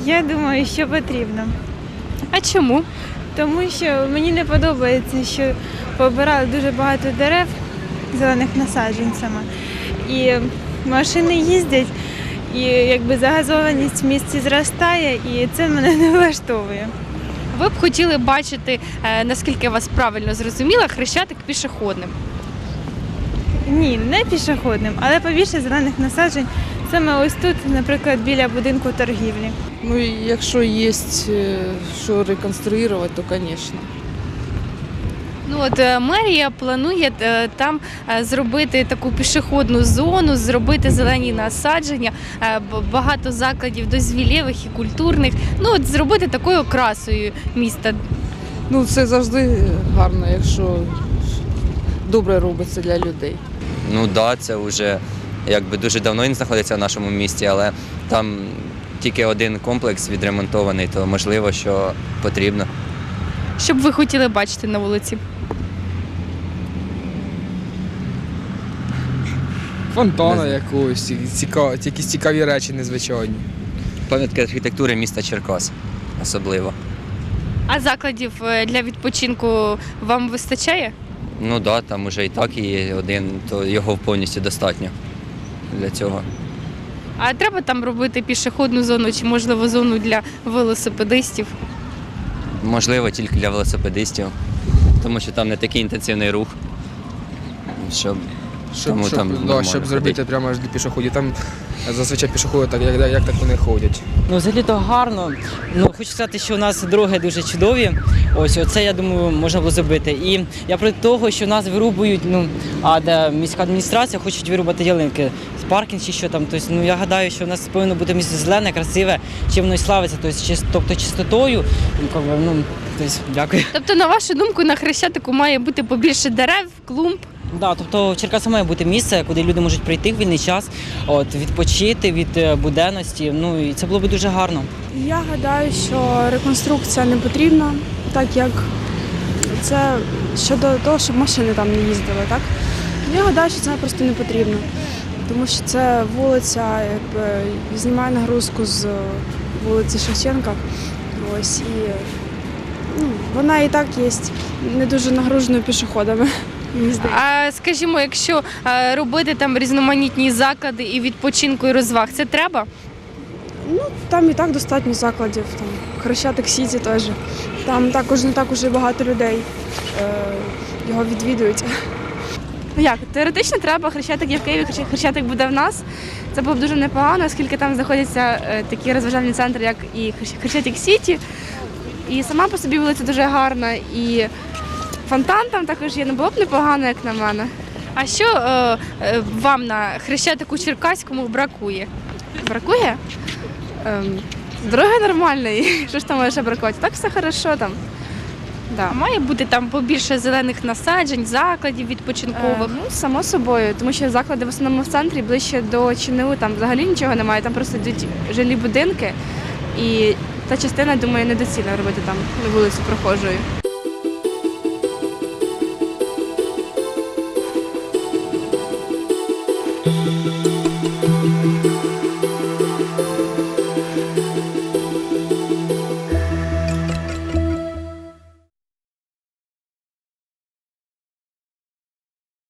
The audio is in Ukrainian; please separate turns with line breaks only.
Я думаю, що потрібно.
А чому?
Тому що мені не подобається, що побирали дуже багато дерев зелених насадженцями. І машини їздять, і якби загазованість в місті зростає, і це мене не влаштовує.
Ви б хотіли бачити, наскільки я вас правильно зрозуміла, Хрещатик пішохідним.
Ні, не пішохідним, але побільше зелених насаджень саме ось тут, наприклад, біля будинку торгівлі.
Ну, якщо є що реконструювати, то, звісно.
Ну от мерія планує там зробити таку пішохідну зону, зробити зелені насадження, багато закладів дозвілєвих і культурних. Ну от зробити такою окрасою міста.
Ну, це завжди гарно, якщо добре робиться для людей.
Ну так, це вже якби дуже давно він знаходиться в нашому місті, але там тільки один комплекс відремонтований, то можливо, що потрібно.
Що б ви хотіли бачити на вулиці?
Фонтана якогось, якісь цікаві речі незвичайні.
Пам'ятки архітектури міста Черкас особливо.
А закладів для відпочинку вам вистачає?
Ну так, там вже і так є один, то його повністю достатньо для цього.
А треба там робити пішохідну зону чи, можливо, зону для велосипедистів?
Можливо, тільки для велосипедистів, тому що там не такий інтенсивний рух, щоб тому там нормально
щоб
ходити.
зробити прямо аж для пішоходів. Там зазвичай пішоходи, так, як так вони ходять.
Ну, взагалі-то гарно. Ну, хочу сказати, що у нас дороги дуже чудові. Ось оце, я думаю, можна було зробити. І я проти того, що нас вирубують, а де міська адміністрація хочуть вирубати ялинки з паркінг чи що там. Тобто, я гадаю, що у нас повинно бути місце зелене, красиве, чим воно і славиться, тобто чистотою. Дякую.
Тобто, на вашу думку, на Хрещатику має бути побільше дерев, клумб?
Да, тобто в Черкасах має бути місце, куди люди можуть прийти в вільний час, відпочити від буденності. Ну і це було б дуже гарно.
Я гадаю, що реконструкція не потрібна, так як це щодо того, щоб машини там не їздили. Так? Я гадаю, що це просто не потрібно, тому що це вулиця якби знімає нагрузку з вулиці Шевченка. Ось, і вона і так є не дуже нагруженою пішоходами.
А скажімо, якщо робити там різноманітні заклади і відпочинку, і розваг, це треба?
Ну, там і так достатньо закладів. Там Хрещатик Сіті теж. Там також не так уже багато людей його відвідують.
Як? Теоретично треба, Хрещатик є в Києві, Хрещатик буде в нас. Це було б дуже непогано, оскільки там знаходяться такі розважальні центри, як і Хрещатик Сіті. І сама по собі вулиця дуже гарна. І фонтан там також є, не було б непогано, як на мене.
А що вам на Хрещатику Черкаському бракує?
Бракує? Дороги нормальної, що ж там може ще бракувати? Так все хорошо там. Да.
А має бути там побільше зелених насаджень, закладів відпочинкових?
Ну, само собою, тому що заклади в основному в центрі, ближче до ЧНУ, там взагалі нічого немає, там просто йдуть жилі будинки. І та частина, думаю, недоцільно робити там вулицю прохожою.